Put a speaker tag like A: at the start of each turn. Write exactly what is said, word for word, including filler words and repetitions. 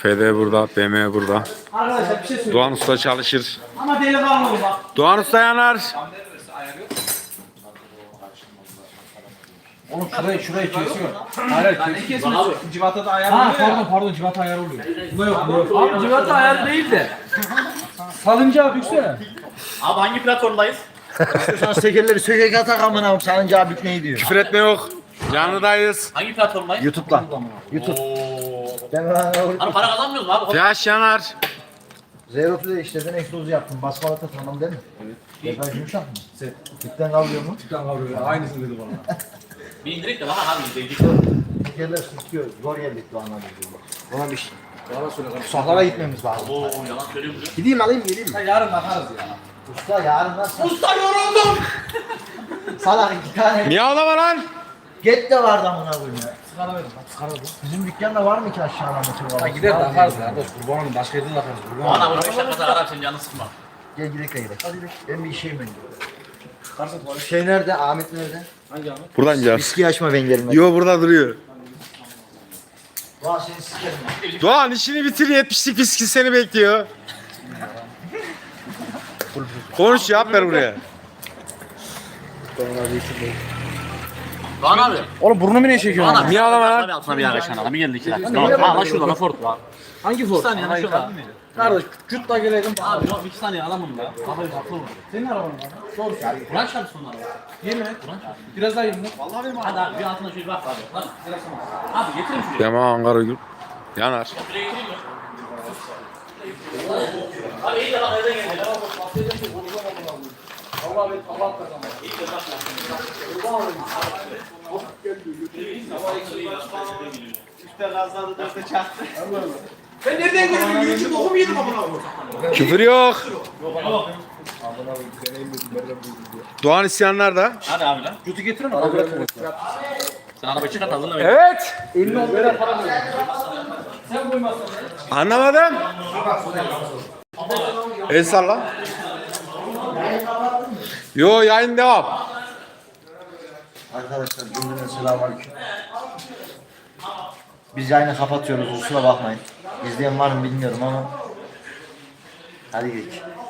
A: F D burada, B M burada.
B: Arkadaşlar bir şey söyleyeyim.
A: Doğan Usta çalışır.
B: Ama deli kalmadı bak.
A: Doğan Usta yanar.
C: Oğlum şurayı şurayı kesiyor. Hayır hayır kesiyor.
D: Civata da ayar
C: Ha
D: oluyor ya.
C: pardon pardon civata ayarı oluyor.
B: Bu yok, bu yok. Abi civata ayarı değil de.
C: Salıncağı büksene.
D: Abi hangi platformdayız?
E: Sen tekerleri sökek atak amına koyayım. Sanıncağı bükmeyi diyor.
A: Küfür etme yok. Canlıdayız.
D: Hangi platformdayız?
E: YouTube'da. YouTube. Ben
D: Hani para kazanmıyoruz mu abi?
A: Flash yanar.
E: Zero Play işledin, egzozu yaptın. Basmalata tamam değil mi? Evet. Depaj yumuşak mı? Set. Tüpten kalıyor mu?
C: Tüpten kavruluyor. Aynısını dedi bana.
D: Bir indirek de bana abi izleyici.
E: Tekerler sıkıyor. Zor geldik Doğan'a diyorlar. Ona bir şey. Usahlara gitmemiz lazım.
D: Oo yalan söylüyorum.
E: Gideyim alayım geleyim mi?
C: Yarın bakarız ya.
E: Usta yarın nasıl?
D: Usta yoruldum.
E: Salak iki tane.
A: Miyavlama lan.
E: Get de vardı amına koyayım ya.
C: Sigara verin bak sigara verin.
E: Bizim dükkanda var mı ki aşağıda motor
C: Ha
E: var?
C: gider bakarız ya. Dost kurban olayım başka yerde de bakarız. Kurban
D: Bana
C: olayım.
D: bunu beş dakika kadar senin canını sıkma.
E: Gel gidelim de gidelim. Hadi gidelim. Ben bir işeyim ben. Şey nerede? Ahmet nerede?
A: Buradan gel.
E: Viski açma ben gelmem.
A: Yo burada duruyor.
E: Vah seni sikerim.
A: Doğan işini bitir, yetmişlik viski seni bekliyor. Konuş, cevap ver buraya.
D: Doğan abi.
C: Oğlum burnumu niye çekiyorsun?
D: Doğan abi.
A: Miyavlama lan.
D: Abi altına bir yana kaçan adam. Bir geldi iki dakika. Tamam. Ha lan şurada lan Ford var.
C: Hangi Ford?
D: Bir saniye lan şurada.
C: Kardeş cüt da gelelim.
D: Abi yok iki saniye adamım da. Abi haklı mı?
C: Senin araban mı? Doğru.
D: Kur'an çarpsın onlara.
C: Yemin et. Biraz daha yemin et.
D: Hadi abi bir altına şöyle bak abi. Lan. Abi getirin şuraya.
A: Dema Ankara Gül. Yanar.
D: Şuraya getireyim mi? Abi iyi de bak nereden geldi.
C: Allah be Allah kazanma.
D: İşte gazladı dörtte çaktı.
C: Ben nereden gördüm? Yürüyüşü bokum yedim amına koyayım.
A: Küfür yok. Doğan isyanlar da.
D: Hadi abi lan.
C: Cütü getirin mi? Kabul etme.
D: Sen arabayı çıkart hazırla.
A: Evet.
C: elli on lira para veriyorum. Sen koymazsan.
A: Anlamadım. El salla. Yo yayın devam.
E: Arkadaşlar cümleden selamünaleyküm. Biz yayını kapatıyoruz, kusura bakmayın. İzleyen var mı bilmiyorum ama hadi gidelim.